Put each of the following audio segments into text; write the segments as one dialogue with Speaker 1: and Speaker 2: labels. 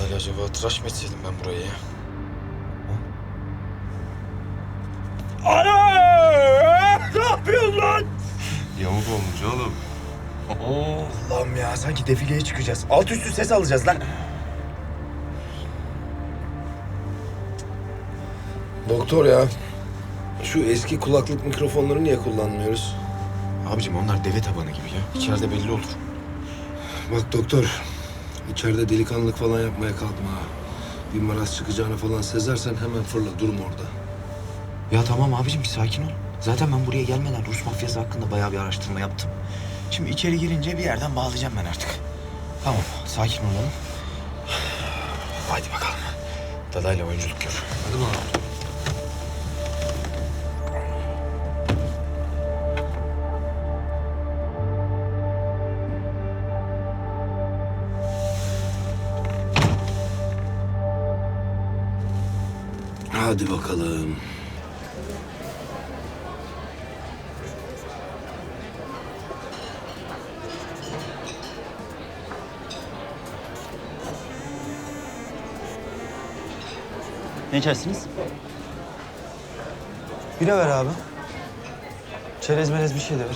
Speaker 1: Dadayla acaba tıraş mı etseydim ben burayı ya?
Speaker 2: Ana! Ne yapıyorsun lan?
Speaker 3: Yamuk olmuş oğlum.
Speaker 2: Allah'ım ya, sanki defileye çıkacağız. Alt üstü ses alacağız lan.
Speaker 4: Doktor ya, şu eski kulaklık mikrofonları niye kullanmıyoruz?
Speaker 1: Abicim onlar deve tabanı gibi ya. İçeride belli olur.
Speaker 4: Bak doktor, içeride delikanlılık falan yapmaya kalkma ha. Bir maraz çıkacağını falan sezersen hemen fırla, durma orada.
Speaker 1: Ya tamam abicim bir sakin ol. Zaten ben buraya gelmeden Rus mafyası hakkında bayağı bir araştırma yaptım. Şimdi içeri girince bir yerden bağlayacağım ben artık. Tamam sakin olalım. Haydi bakalım. Dadayla oyunculuk gör.
Speaker 4: Hadi bakalım. Hadi bakalım.
Speaker 5: Ne içersiniz?
Speaker 6: Bira ver abi. Çerez melez bir şey de ver.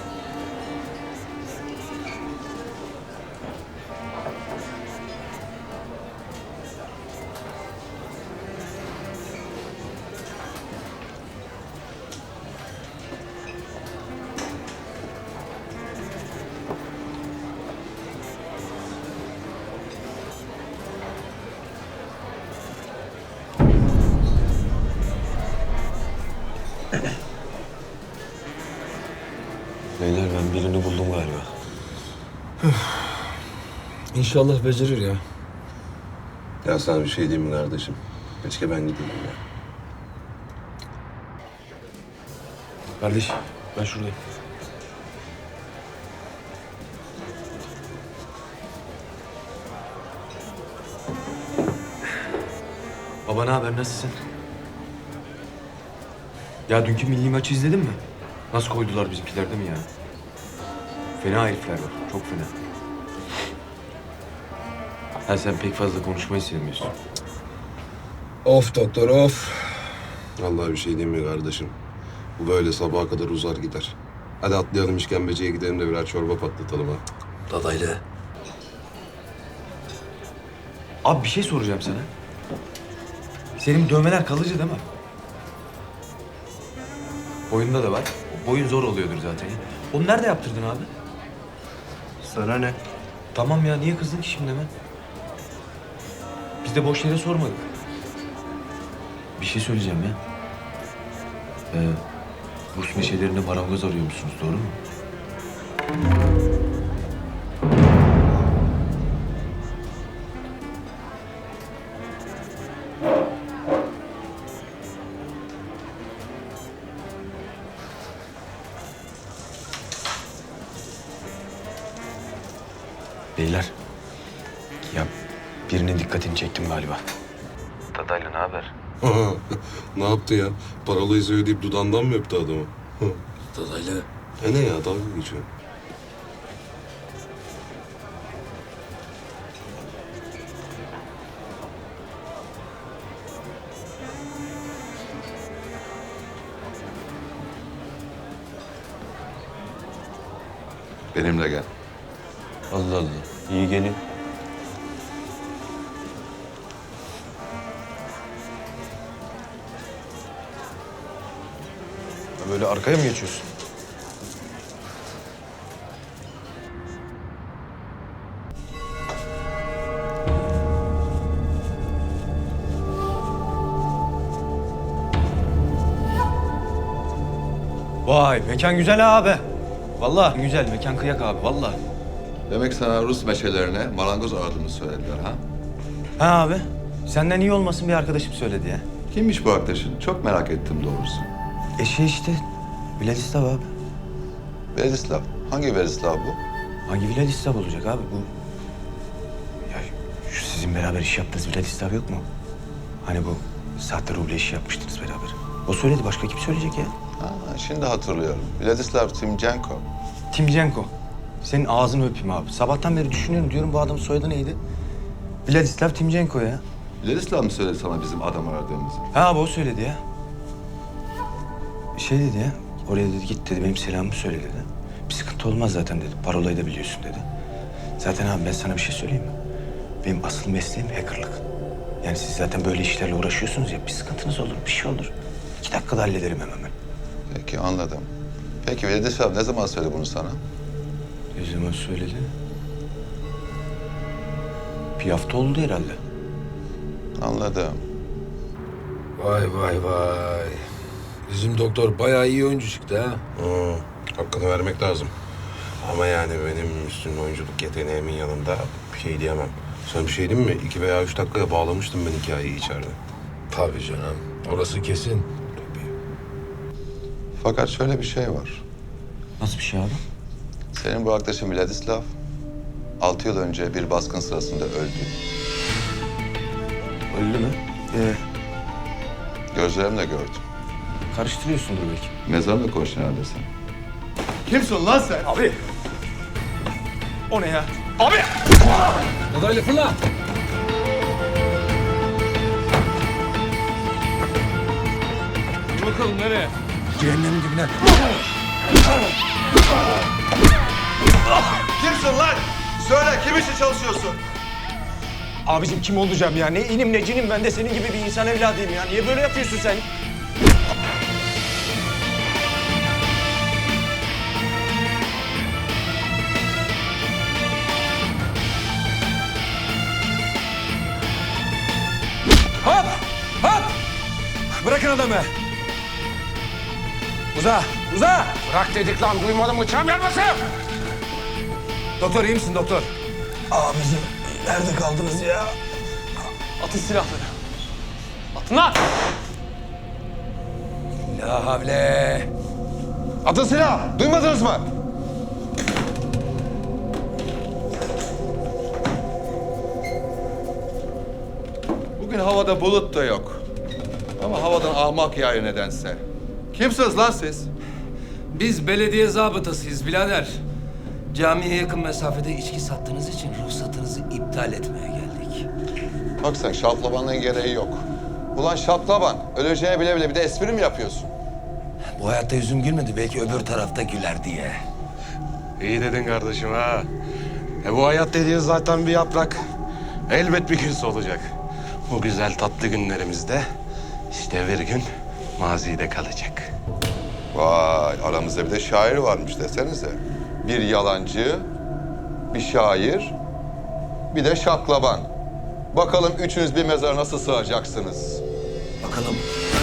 Speaker 4: Beyler ben birini buldum galiba. İnşallah becerir ya.
Speaker 3: Ya sana bir şey diyeyim mi kardeşim? Keşke ben gideyim ya.
Speaker 1: Kardeş ben şuradayım. Baba ne haber, nasılsın? Ya dünkü milli maçı izledin mi? Nasıl koydular bizimkiler değil mi ya? Fena herifler var, çok fena. Ha sen pek fazla konuşmayı sevmiyorsun.
Speaker 4: Of doktor of.
Speaker 3: Vallahi bir şey diyeyim mi kardeşim? Bu böyle sabaha kadar uzar gider. Hadi atlayalım işkembeciye gidelim de birer çorba patlatalım ha.
Speaker 4: Dadaylı.
Speaker 1: Abi bir şey soracağım sana. Senin dövmeler kalıcı değil mi? Boyunda da var. Boyun zor oluyordur zaten ya. Onu nerede yaptırdın abi?
Speaker 6: Sana ne?
Speaker 1: Tamam ya, niye kızdın ki şimdi hemen? Biz de boş yere sormadık. Bir şey söyleyeceğim ya. Rus meşelerinde marangoz arıyor musunuz, doğru mu? Beyler, ya birinin dikkatini çektim galiba. Dadaylı ne haber?
Speaker 3: Ne yaptı ya? Parolayı söyleyip dudağından mı öptü adamı?
Speaker 4: Dadaylı.
Speaker 3: Ne ya, dalga geçiyor. Benimle gel.
Speaker 6: Allah Allah. İyi gelin.
Speaker 1: Böyle arkaya mı geçiyorsun? Vay mekan güzel abi. Vallahi güzel mekan, kıyak abi vallahi.
Speaker 7: Demek sana Rus meşelerine marangoz aradığını söylediler ha?
Speaker 1: Ha abi, senden iyi olmasın bir arkadaşım söyledi ya.
Speaker 7: Kimmiş bu arkadaşın? Çok merak ettim doğrusu.
Speaker 1: İşte Vladislav abi.
Speaker 7: Verislav. Hangi Verislav bu?
Speaker 1: Hangi Vladislav olacak abi bu? Ya şu sizin beraber iş yaptığınız Vladislav yok mu? Hani bu sahte ruble işi yapmıştınız beraber. O söyledi, başka kim söyleyecek ya?
Speaker 7: Ha, şimdi hatırlıyorum. Vladislav Timchenko.
Speaker 1: Timchenko. Senin ağzını öpeyim abi. Sabahtan beri düşünüyorum, diyorum bu adamın soyadı neydi? Vladislav Timchenko ya.
Speaker 7: Vladislav mı söyledi sana bizim adam aradığımızı?
Speaker 1: Ha abi o söyledi ya. Şey dedi ya. Oraya dedi git dedi benim selamımı söyle dedi. Bir sıkıntı olmaz zaten dedi. Parolayı da biliyorsun dedi. Zaten abi ben sana bir şey söyleyeyim mi? Benim asıl mesleğim hackerlık. Yani siz zaten böyle işlerle uğraşıyorsunuz ya. Bir sıkıntınız olur, bir şey olur. 2 dakikada hallederim hemen ben.
Speaker 7: Peki anladım. Peki Vladislav ne zaman söyledi bunu sana?
Speaker 1: Ne zaman söyledi? Bir hafta oldu herhalde.
Speaker 7: Anladım.
Speaker 4: Vay vay vay. Bizim doktor bayağı iyi oyuncu çıktı ha.
Speaker 3: Hakkını vermek lazım. Ama yani benim üstün oyunculuk yeteneğimin yanında bir şey diyemem. Sana bir şey diyeyim mi? 2 veya 3 dakikaya bağlamıştım ben hikayeyi içeride.
Speaker 4: Tabii canım. Orası kesin.
Speaker 7: Fakat şöyle bir şey var.
Speaker 1: Nasıl bir şey abi?
Speaker 7: Senin bu arkadaşın Vladislav 6 yıl önce bir baskın sırasında öldü.
Speaker 1: Öldü mü?
Speaker 7: Gözlerimle gördüm.
Speaker 1: Karıştırıyorsundur belki.
Speaker 7: Mezarla konuştun herhalde sen. Kimsin lan sen?
Speaker 2: Abi. O ne ya?
Speaker 4: Adaylı fırla.
Speaker 2: Bakalım nereye?
Speaker 4: Cehennemin dibine.
Speaker 7: Kimsin lan? Söyle kim için çalışıyorsun?
Speaker 2: Abicim kim olacağım ya? Ne inim ne cinim, ben de senin gibi bir insan evladıyım ya. Niye böyle yapıyorsun sen? Hop! Hop! Bırakın adamı. Uza! Uza!
Speaker 4: Bırak dedik lan, duymadın mı? Çam yanmasın!
Speaker 2: Doktor iyi misin doktor?
Speaker 4: Abicim nerede kaldınız ya?
Speaker 2: Atın silahları. Atın lan!
Speaker 4: La havle.
Speaker 7: Atın silah! Duymadınız mı? Bugün havada bulut da yok. Ama havadan ahmak yağıyor nedense. Kimsiniz lan siz?
Speaker 8: Biz belediye zabıtasıyız birader. Camiye yakın mesafede içki sattığınız için ruhsatınızı iptal etmeye geldik.
Speaker 7: Bak sen şaplabanlığın gereği yok. Ulan şaplaban, öleceğini bile bile bir de espri mi yapıyorsun?
Speaker 8: Bu hayatta yüzüm gülmedi, belki öbür tarafta güler diye.
Speaker 3: İyi dedin kardeşim ha. Bu hayat dediğin zaten bir yaprak. Elbet bir gün solacak. Bu güzel tatlı günlerimizde işte bir gün mazide kalacak.
Speaker 7: Vay, aramızda bir de şair varmış desenize. Bir yalancı, bir şair, bir de şaklaban. Bakalım üçünüz bir mezara nasıl sığacaksınız?
Speaker 8: Bakalım.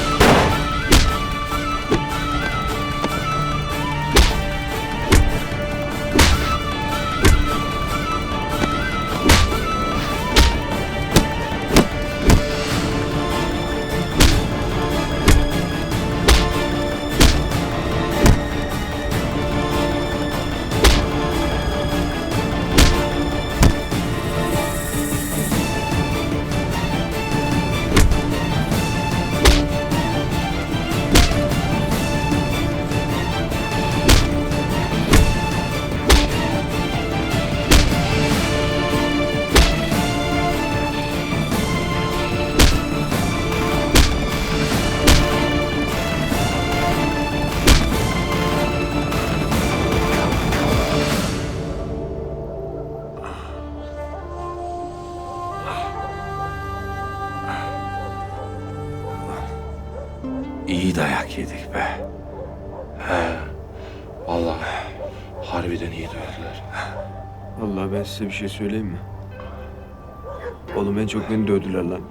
Speaker 3: İyi dayak yedik be. He. Vallahi harbiden iyi dövdüler.
Speaker 9: Vallahi ben size bir şey söyleyeyim mi? Oğlum en çok beni dövdüler lan.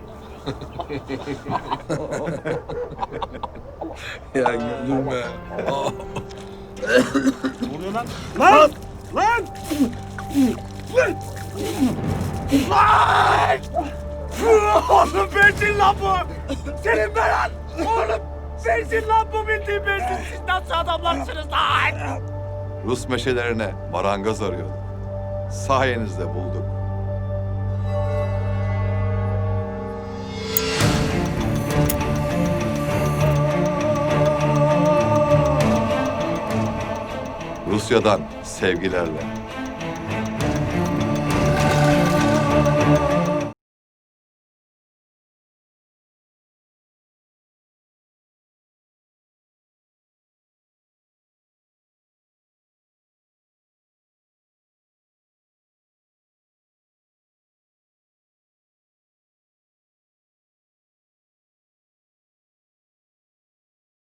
Speaker 4: Ya güldürme.
Speaker 2: Oğlum bensin lan bu! Senin belan! Oğlum bensin lan bu, bildiğin bensin! Siz nasıl adamlarsınız lan?
Speaker 7: Rus meşelerine marangoz arıyordu. Sayenizde bulduk. Rusya'dan sevgilerle.